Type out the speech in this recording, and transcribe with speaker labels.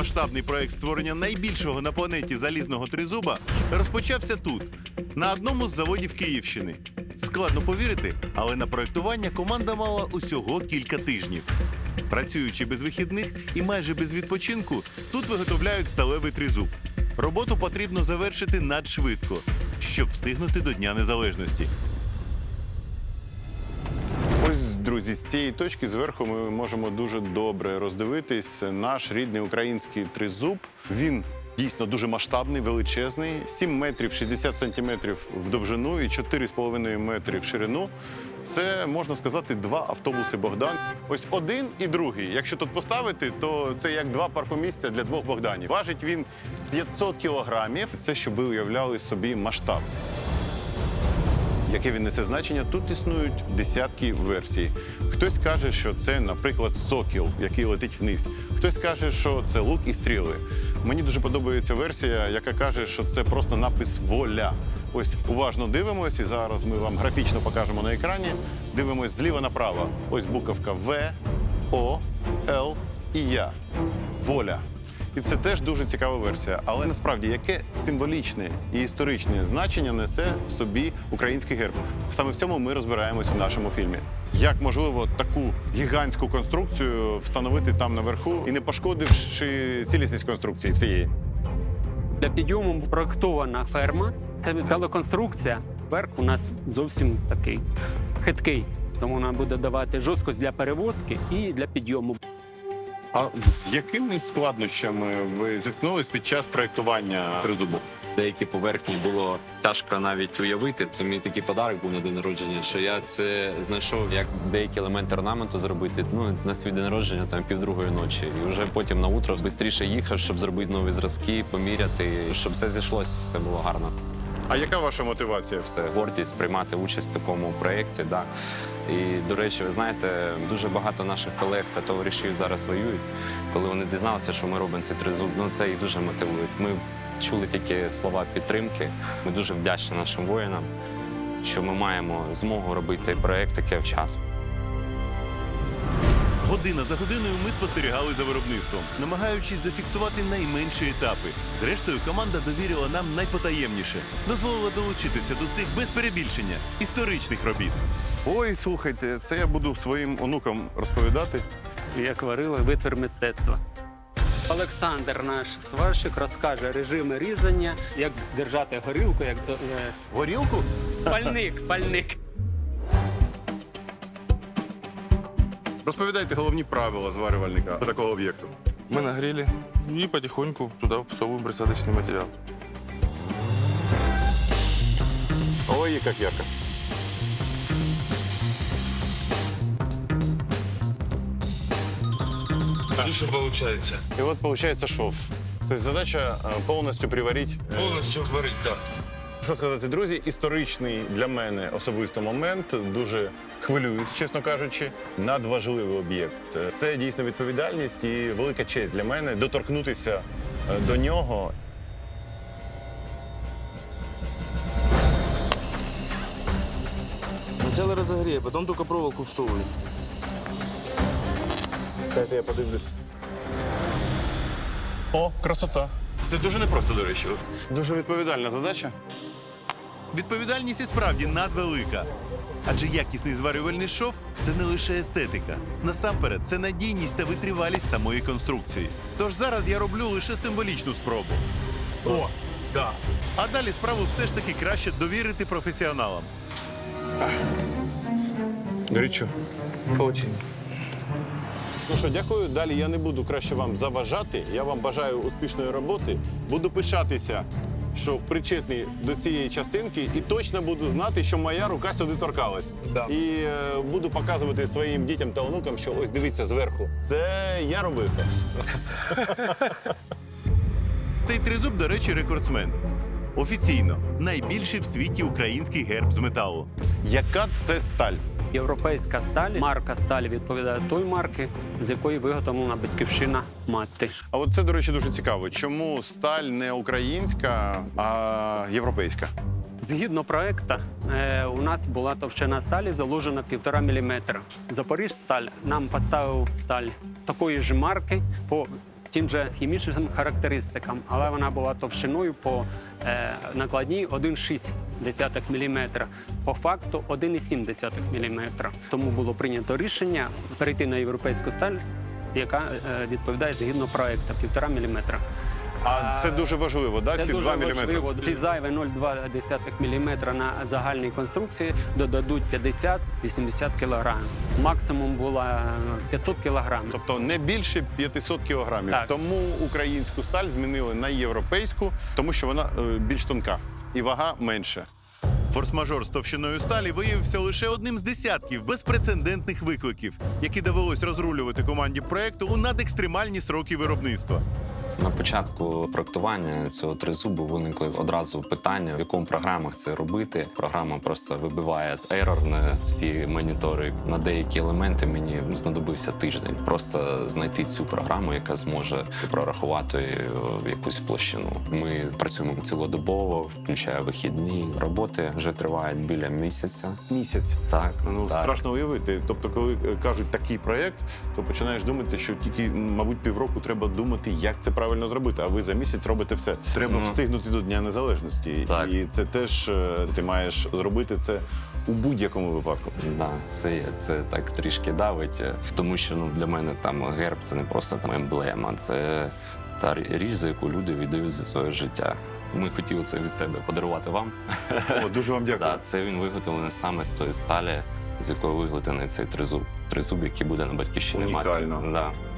Speaker 1: масштабний проект створення найбільшого на планеті залізного тризуба розпочався тут, на одному з заводів Київщини. Складно повірити, але на проектування команда мала усього кілька тижнів. Працюючи без вихідних і майже без відпочинку, тут виготовляють сталевий тризуб. Роботу потрібно завершити надшвидко, щоб встигнути до Дня Незалежності.
Speaker 2: Ось, друзі, з цієї точки зверху ми можемо дуже добре роздивитись наш рідний український тризуб. Він дійсно дуже масштабний, величезний, 7 метрів 60 сантиметрів в довжину і 4,5 метри в ширину. Це, можна сказати, 2 автобуси «Богдан». Ось один і другий. Якщо тут поставити, то це як 2 паркомісця для 2 «Богданів». Важить він 500 кілограмів. Це, щоб ви уявляли собі масштаб. Яке він несе значення, тут існують десятки версій. Хтось каже, що це, наприклад, сокіл, який летить вниз. Хтось каже, що це лук і стріли. Мені дуже подобається версія, яка каже, що це просто напис «Воля». Ось уважно дивимось, і зараз ми вам графічно покажемо на екрані. Дивимось зліва направо. Ось буковка В, О, Л і Я. Воля. І це теж дуже цікава версія. Але насправді, яке символічне і історичне значення несе в собі український герб? Саме в цьому ми розбираємось в нашому фільмі. Як можливо таку гігантську конструкцію встановити там наверху і не пошкодивши цілісність конструкції всієї?
Speaker 3: Для підйому спроектована ферма. Це металоконструкція. Верх у нас зовсім такий хиткий. Тому вона буде давати жорсткость для перевозки і для підйому.
Speaker 2: А з якими складнощами ви зіткнулись під час проєктування тризубу?
Speaker 4: Деякі поверхні було тяжко навіть уявити. Це мій такий подарок був на день народження, що я це знайшов, як деякі елементи орнаменту зробити на свій день народження, там 1:30 ночі. І вже потім на утро швидше їхав, щоб зробити нові зразки, поміряти, щоб все зійшлося, все було гарно.
Speaker 2: А яка ваша мотивація?
Speaker 4: Це гордість приймати участь в такому проєкті. Да. І, до речі, ви знаєте, дуже багато наших колег та товаришів зараз воюють. Коли вони дізналися, що ми робимо цей тризуб, це їх дуже мотивує. Ми чули тільки слова підтримки. Ми дуже вдячні нашим воїнам, що ми маємо змогу робити проєкт таке вчасно.
Speaker 1: Година за годиною ми спостерігали за виробництвом, намагаючись зафіксувати найменші етапи. Зрештою, команда довірила нам найпотаємніше. Дозволила долучитися до цих, без перебільшення, історичних робіт.
Speaker 2: Ой, слухайте, це я буду своїм онукам розповідати.
Speaker 3: Як варили витвір мистецтва. Олександр, наш сварщик, розкаже режими різання, як держати горілку, як
Speaker 1: Горілку?
Speaker 3: пальник.
Speaker 2: Розповідайте головні правила зварювальника до такого об'єкту.
Speaker 5: Мы нагрели и потихоньку туда всовываем присадочный материал.
Speaker 2: Ой, як ярко.
Speaker 5: Отлично получается.
Speaker 2: І от виходить шов. Тобто задача повністю приварити.
Speaker 5: Полностью варить, да.
Speaker 2: Що сказати, друзі, історичний для мене особисто момент. Дуже хвилююсь, чесно кажучи. Надважливий об'єкт. Це дійсно відповідальність і велика честь для мене доторкнутися до нього.
Speaker 5: Сначала разогрей, потом только проволоку всовывай.
Speaker 2: Дайте я подивлюсь. О, красота. Це дуже непросто, до речі. Дуже відповідальна задача.
Speaker 1: Відповідальність і справді надвелика. Адже якісний зварювальний шов – це не лише естетика. Насамперед, це надійність та витривалість самої конструкції. Тож зараз я роблю лише символічну спробу.
Speaker 5: О, да.
Speaker 1: А далі справу все ж таки краще довірити професіоналам.
Speaker 2: Горячо.
Speaker 5: Очень.
Speaker 2: Ну що, дякую. Далі я не буду краще вам заважати. Я вам бажаю успішної роботи. Буду пишатися, що причетний до цієї частинки, і точно буду знати, що моя рука сюди торкалась.
Speaker 5: Да.
Speaker 2: І буду показувати своїм дітям та онукам, що ось дивіться зверху. Це я робив.
Speaker 1: Цей тризуб, до речі, рекордсмен. Офіційно найбільший в світі український герб з металу.
Speaker 2: Яка це сталь?
Speaker 3: Європейська сталь, марка сталі відповідає той марки, з якої виготовлена батьківщина мати.
Speaker 2: А от це, до речі, дуже цікаво. Чому сталь не українська, а європейська?
Speaker 3: Згідно проекту, у нас була товщина сталі заложена 1,5 мм. Запоріжсталь нам поставив сталь такої ж марки по тим же хімічним характеристикам, але вона була товщиною по накладній 1,6 мм, по факту 1,7 мм. Тому було прийнято рішення перейти на європейську сталь, яка відповідає згідно проекту 1,5 мм.
Speaker 2: А це дуже важливо, да?
Speaker 3: Це
Speaker 2: Ці
Speaker 3: дуже
Speaker 2: 2 мм?
Speaker 3: важливо. Ці зайві 0,2 мм на загальній конструкції додадуть 50-80 кг. Максимум було 500 кг.
Speaker 2: Тобто не більше 500 кілограмів.
Speaker 3: Так.
Speaker 2: Тому українську сталь змінили на європейську, тому що вона більш тонка і вага менша.
Speaker 1: Форс-мажор з товщиною сталі виявився лише одним з десятків безпрецедентних викликів, які довелось розрулювати команді проекту у надекстремальні сроки виробництва.
Speaker 4: На початку проектування цього тризубу виникли одразу питання, в якому програмах це робити. Програма просто вибиває ерор на всі монітори. На деякі елементи мені знадобився тиждень. Просто знайти цю програму, яка зможе прорахувати якусь площину. Ми працюємо цілодобово, включає вихідні. Роботи вже тривають біля місяця.
Speaker 2: Місяць.
Speaker 4: Так,
Speaker 2: Ну,
Speaker 4: так.
Speaker 2: страшно уявити. Тобто, коли кажуть такий проєкт, то починаєш думати, що тільки, мабуть, півроку треба думати, як це правильно зробити, а ви за місяць робите все. Треба встигнути до Дня Незалежності.
Speaker 4: Так.
Speaker 2: І це теж ти маєш зробити це у будь-якому випадку.
Speaker 4: Да, це так трішки давить, тому що для мене там герб це не просто там емблема, це та річ, за яку люди віддають за своє життя. Ми хотіли це від себе подарувати вам.
Speaker 2: О, дуже вам дякую.
Speaker 4: Да, це він виготовлений саме з тої сталі, з якої виготовлений цей тризуб. Тризуб, який буде на батьківщині мати.
Speaker 2: Унікально.
Speaker 4: Да.